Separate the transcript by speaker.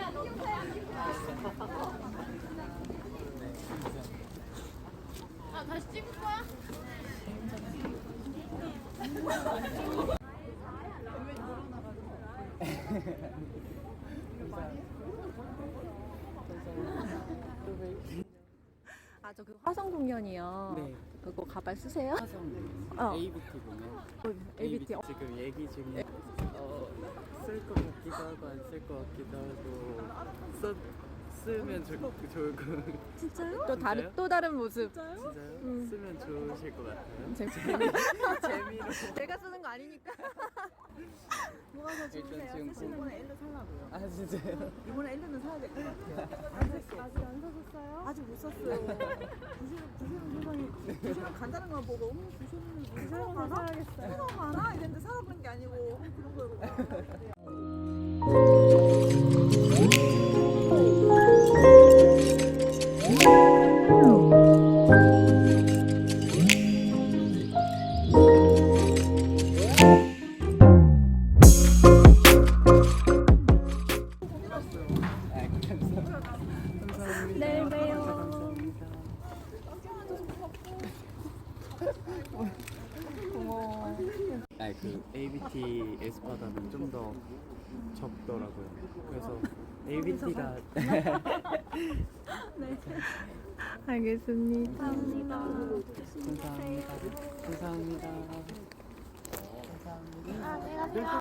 Speaker 1: 아, 다시 찍을 거야?
Speaker 2: 아, 저 그 화성 공연이요.
Speaker 3: 네.
Speaker 2: 그거 가발 쓰세요?
Speaker 3: 화성
Speaker 2: 어.
Speaker 3: ABT 공연.
Speaker 2: ABT.
Speaker 3: 지금 얘기 중에 쓸 것 같기도 하고 안 쓸 것 같기도 하고 쓰면 좋을 것 같아요.
Speaker 2: 진짜요?
Speaker 3: 진짜요?
Speaker 2: 또 다른 모습.
Speaker 3: 진짜요? 쓰면 좋으실 것 같아요. 재미로.
Speaker 2: 제가 쓰는 거 아니니까. 뭐가 더 좋으세요?
Speaker 3: 지금
Speaker 2: 쓰시는
Speaker 4: 이번에 엘르 살라고요.
Speaker 3: 아 진짜요?
Speaker 4: 이번에 엘르는 사야 될 것 같아요.
Speaker 2: 아직 안 사셨어요?
Speaker 4: 아직 못 샀어요. 부시는 세상에 부시는 간다는 거 보고 부시는 사러 가나? 사러 가나? 이랬는데 사러 그런 게 아니고 그런 거였구나.
Speaker 2: 내일 봬요.
Speaker 3: 그 ABT 에스파다는 좀 더 적더라고요. 그래서 ABT가
Speaker 2: 알겠습니다.
Speaker 3: 감사합니다. 감사합니다. 감사합니다.